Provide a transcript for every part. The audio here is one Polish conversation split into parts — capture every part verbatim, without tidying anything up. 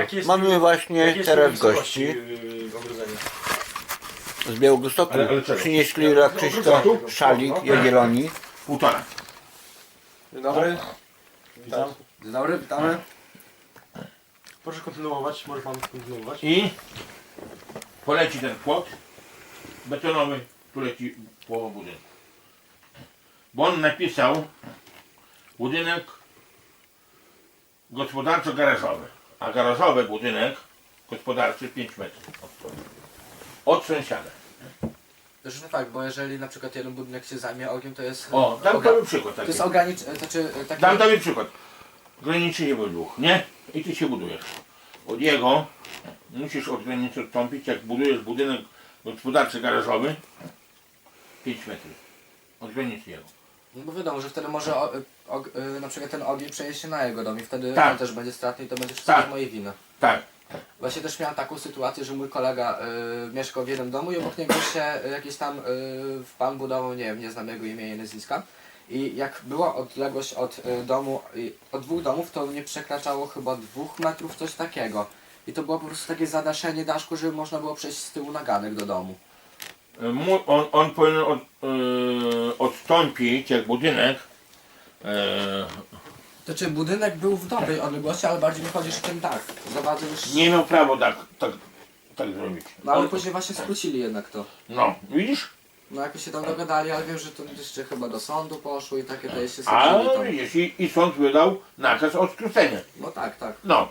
Jakie jest- Mamy właśnie jakie jest teraz wysokości, gości yy, ogrodzenia? z Białegostoku. Ale- ale czego? Przynieśli dla Krzyśka szalik Jagiellonii. Półtora. Dzień dobry. Witam. Dzień dobry, witamy. Proszę kontynuować, może pan kontynuować. I poleci ten płot betonowy, tu leci połowa budynku. Bo on napisał budynek gospodarczo-garażowy, a garażowy budynek gospodarczy pięć metrów od sąsiada. Zresztą tak, bo jeżeli na przykład jeden budynek się zajmie ogniem, to jest... O, dam oga- tobie przykład To taki. jest ogranicz... Znaczy taki... Dam tobie przykład. Graniczy był dwóch, nie? I ty się budujesz. Od jego musisz od granicy odstąpić, jak budujesz budynek gospodarczy garażowy pięć metrów. Od granicy jego. No bo wiadomo, że wtedy może o, o, y, na przykład ten ogień przenieść się na jego dom i wtedy Tak. on też będzie stratny i to będzie wszystko Tak. z mojej winy. Tak. Właśnie też miałem taką sytuację, że mój kolega y, mieszkał w jednym domu i obok niego się y, jakiś tam y, pan budował, nie wiem, nie znam jego imienia i nazwiska. I jak była odległość od y, domu, y, od dwóch domów, to nie przekraczało chyba dwóch metrów, coś takiego. I to było po prostu takie zadaszenie daszku, żeby można było przejść z tyłu na ganek do domu. Mu- On, on powinien od, yy, odstąpić, jak budynek. Yy, To czy budynek był w dobrej odległości, ale bardziej mi chodzi, że ten dach zawadza już... nie miał prawa tak, tak, tak zrobić. No ale On, później właśnie skrócili jednak to. no, widzisz? No jakoś się tam dogadali, ale wiem, że to jeszcze chyba do sądu poszło i takie to jeszcze A skończyli tam. widzisz, i, i sąd wydał nakaz o skróceniu. No tak, tak. No.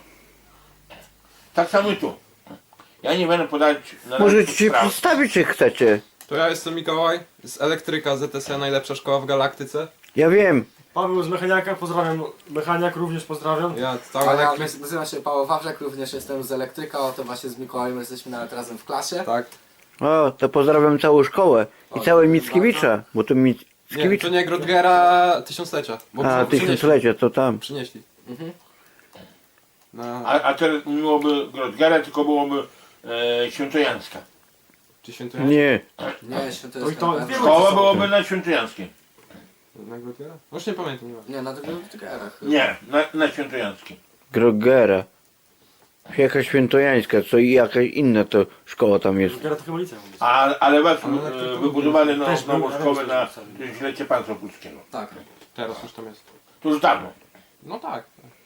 Tak samo i tu. Ja nie będę podać na Możecie razie się spraw. przedstawić, czy chcecie. To ja jestem Mikołaj z Elektryka Z T S, najlepsza szkoła w galaktyce. Ja wiem. Paweł z Mechaniaka, pozdrawiam. Mechaniak również pozdrawiam. Ja A cały ja elektryk. nazywam się Paweł Wawrzak, również jestem z Elektryka, oto właśnie z Mikołajem jesteśmy nawet razem w klasie. Tak. O, to pozdrawiam całą szkołę. I O, całe dziękuję Mickiewicza, bo to Nie, Mickiewicz... to nie Grodgera tysiąclecia. Bo A, przynieśli. tysiąclecia, to tam. Przynieśli. Mhm. No, A, a teraz nie byłoby Grodgera, tylko byłoby e, Świętojańska. czy świętujemy? Nie. Nie, święto Oj, jest to- na pewno. Szkoła byłoby na Świętojańskiej. Na Grodgera? No już nie pamiętam, nie ma. Nie, na tych Elektrykerach. Nie, na, na Świętojańskiej. Grogera. Jakaś świętojańska, co i jakaś inna to szkoła tam jest. Teraz to chyba liceum jest. A, ale was Ale e, to- wybudowali no, też nową był- szkołę na też był- tysiąclecie państwa polskiego. Tak. Teraz już tam jest. To już dawno. No tak.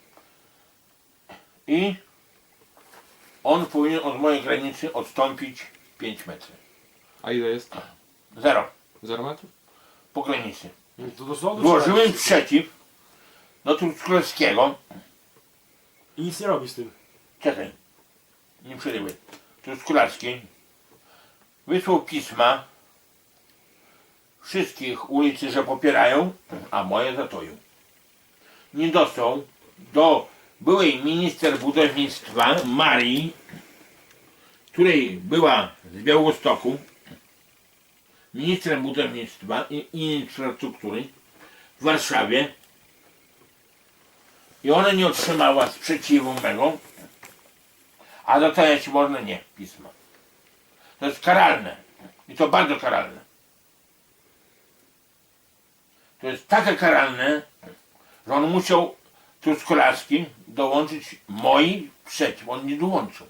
I on powinien od mojej granicy odstąpić pięć metrów. A ile jest? Zero. Zero metrów? Po granicy. To do sądu Złożyłem trzeba- przeciw do Truskolaskiego. I nic nie robi z tym. Czekaj. Nie przerywaj. Truskolarski wysłał pisma wszystkich ulicy, że popierają, a moje zatoją. Nie dostał do byłej minister budownictwa Marii, której była z Białegostoku, ministrem budownictwa i i infrastruktury w Warszawie, i ona nie otrzymała sprzeciwu mego, a dotajać można nie pisma. To jest karalne. I to bardzo karalne. To jest takie karalne, że on musiał Truskolarski dołączyć moi przeciw. On nie dołączył.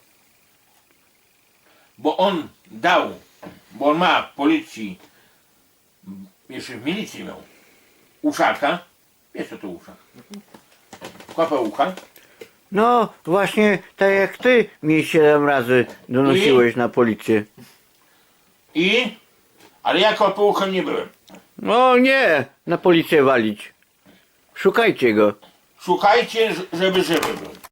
Bo on dał, bo on ma w policji, jeszcze w milicji miał, uszaka. Wiesz co to uszak? Kłapę ucha. No, właśnie tak jak ty mi siedem razy donosiłeś na policję. I, ale ja kopułką nie byłem. No nie, na policję walić. Szukajcie go. Szukajcie, ż- żeby żywy był.